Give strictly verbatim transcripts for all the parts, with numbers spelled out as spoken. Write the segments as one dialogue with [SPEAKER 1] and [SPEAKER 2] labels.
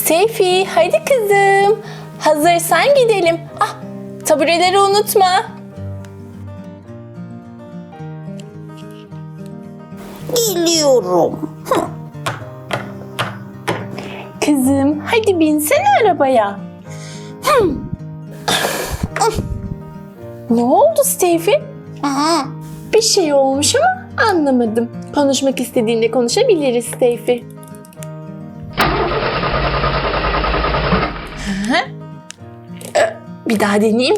[SPEAKER 1] Seyfi, hadi kızım. Hazırsan gidelim. Ah, tabureleri unutma.
[SPEAKER 2] Geliyorum. Hı.
[SPEAKER 1] Kızım, hadi binsene arabaya. Hmm. Ne oldu Seyfi?
[SPEAKER 2] Aa,
[SPEAKER 1] Bir şey olmuş ama anlamadım. Konuşmak istediğinde konuşabiliriz Seyfi. Hı? Ee, Bir daha deneyeyim.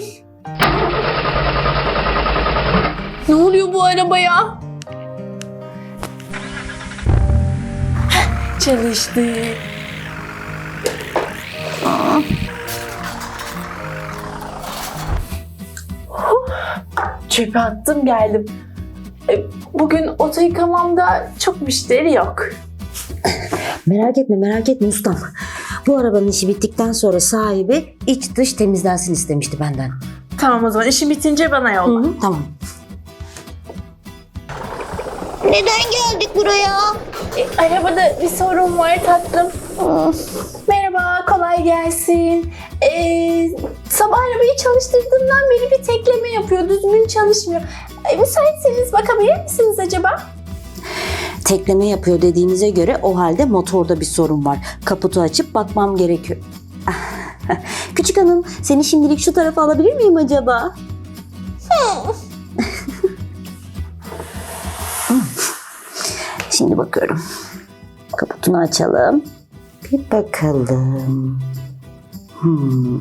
[SPEAKER 1] Ne oluyor bu arabaya? Heh, çalıştı. Çöpe attım geldim. E, Bugün oto yıkamamda çok müşteri yok.
[SPEAKER 2] Merak etme merak etme ustam. Bu arabanın işi bittikten sonra sahibi iç dış temizlensin istemişti benden.
[SPEAKER 1] Tamam o zaman işim bitince bana yolla.
[SPEAKER 2] Hı hı, tamam. Neden geldik buraya?
[SPEAKER 1] E, arabada bir sorun var tatlım. Merhaba, kolay gelsin. E, sabah arabayı çalıştırdığımdan beri bir tekleme yapıyor, düzgün çalışmıyor. E, müsaitseniz bakabilir misiniz acaba?
[SPEAKER 2] Tekleme yapıyor dediğinize göre o halde motorda bir sorun var. Kaputu açıp bakmam gerekiyor. Küçük hanım, seni şimdilik şu tarafa alabilir miyim acaba? Şimdi bakıyorum. Kaputunu açalım. Bir bakalım. Hmm.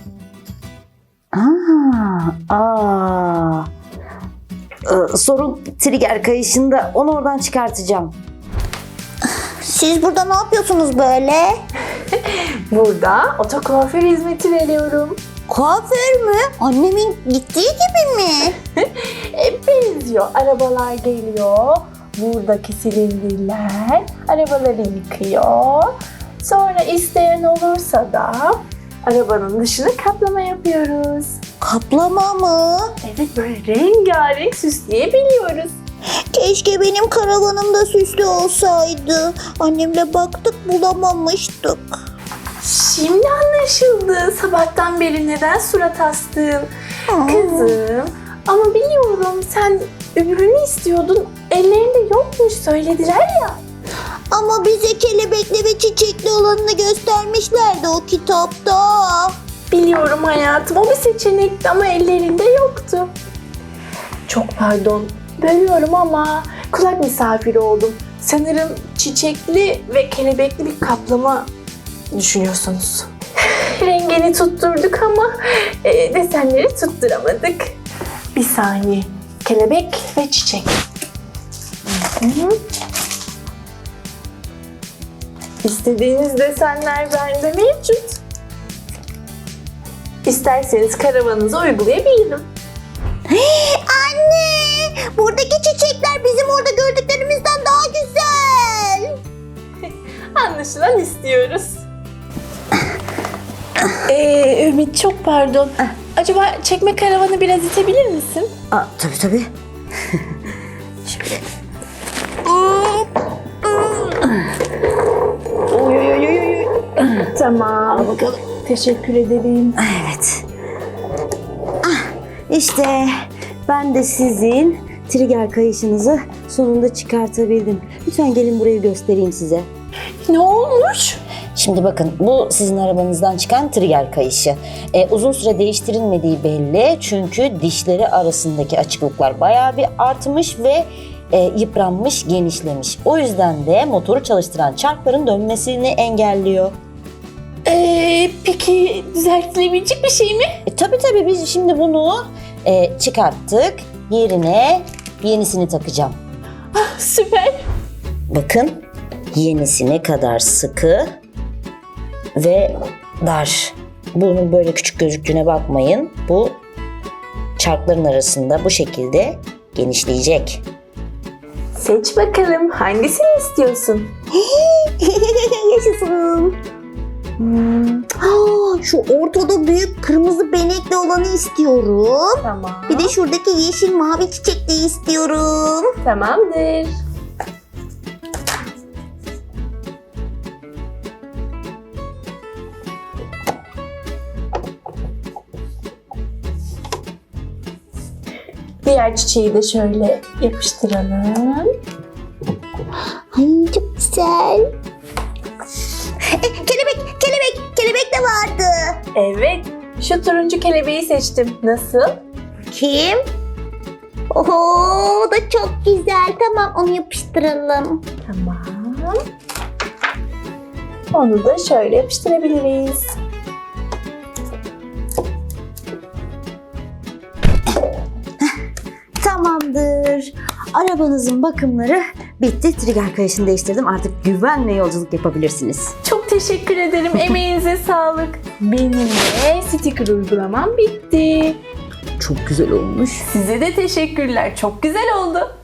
[SPEAKER 2] Aa, aa. Ee, sorun trigger kayışında. Onu oradan çıkartacağım. Siz burada ne yapıyorsunuz böyle?
[SPEAKER 1] Burada oto kuaför hizmeti veriyorum.
[SPEAKER 2] Kuaför mü? Annemin gittiği gibi mi?
[SPEAKER 1] E, benziyor. Arabalar geliyor. Buradaki silindirler arabaları yıkıyor. Sonra isteyen olursa da arabanın dışını kaplama yapıyoruz.
[SPEAKER 2] Kaplama mı?
[SPEAKER 1] Evet, böyle rengarenk süsleyebiliyoruz.
[SPEAKER 2] Keşke benim karavanım da süslü olsaydı. Annemle baktık bulamamıştık.
[SPEAKER 1] Şimdi anlaşıldı. Sabahtan beri neden surat astın. Kızım, ama biliyorum sen öbürünü istiyordun. Ellerinde yokmuş, söylediler ya.
[SPEAKER 2] Ama bize kelebekli ve çiçekli olanını göstermişlerdi o kitapta.
[SPEAKER 1] Biliyorum hayatım, o bir seçenekti ama ellerinde yoktu. Çok pardon, bölüyorum ama kulak misafiri oldum. Sanırım çiçekli ve kelebekli bir kaplama düşünüyorsunuz. Rengini tutturduk ama e, desenleri tutturamadık. Bir saniye, kelebek ve çiçek. Hı hı. İstediğiniz desenler bende mevcut. İsterseniz karavanınıza uygulayabilirim.
[SPEAKER 2] Anne! Buradaki çiçekler bizim orada gördüklerimizden daha güzel.
[SPEAKER 1] Anlaşılan istiyoruz. Ee, Ümit, çok pardon. Acaba çekme karavanı biraz itebilir misin?
[SPEAKER 2] Aa, tabii tabii. Şöyle.
[SPEAKER 1] Oy oy oy oy oy. Tamam.
[SPEAKER 2] Al bakalım.
[SPEAKER 1] Teşekkür ederim.
[SPEAKER 2] Evet. Ah, işte ben de sizin trigger kayışınızı sonunda çıkartabildim. Lütfen gelin burayı göstereyim size.
[SPEAKER 1] Ne olmuş?
[SPEAKER 2] Şimdi bakın, bu sizin arabanızdan çıkan trigger kayışı. Ee, uzun süre değiştirilmediği belli çünkü dişleri arasındaki açıklıklar bayağı bir artmış ve e, yıpranmış, genişlemiş. O yüzden de motoru çalıştıran çarkların dönmesini engelliyor.
[SPEAKER 1] Ee, peki düzeltilebilecek bir şey mi?
[SPEAKER 2] E, tabii tabii biz şimdi bunu e, çıkarttık. Yerine yenisini takacağım.
[SPEAKER 1] Ah, süper.
[SPEAKER 2] Bakın, yenisi ne kadar sıkı ve dar. Bunun böyle küçük gözüktüğüne bakmayın. Bu çarkların arasında bu şekilde genişleyecek.
[SPEAKER 1] Seç bakalım, hangisini istiyorsun?
[SPEAKER 2] Yaşasın. Hmm. Aa, şu ortada büyük kırmızı benekli olanı istiyorum.
[SPEAKER 1] Tamam.
[SPEAKER 2] Bir de şuradaki yeşil mavi çiçekli istiyorum.
[SPEAKER 1] Tamamdır. Diğer çiçeği de şöyle yapıştıralım.
[SPEAKER 3] Ay çok güzel. E, kelebek, kelebek, kelebek de vardı.
[SPEAKER 1] Evet, şu turuncu kelebeği seçtim. Nasıl?
[SPEAKER 3] Kim? Oho, o da çok güzel. Tamam, onu yapıştıralım.
[SPEAKER 1] Tamam. Onu da şöyle yapıştırabiliriz.
[SPEAKER 2] Tamamdır. Arabanızın bakımları bitti. Trigger kayışını değiştirdim. Artık güvenle yolculuk yapabilirsiniz.
[SPEAKER 1] Çok teşekkür ederim. Emeğinize sağlık. Benim de sticker uygulamam bitti.
[SPEAKER 2] Çok güzel olmuş.
[SPEAKER 1] Size de teşekkürler. Çok güzel oldu.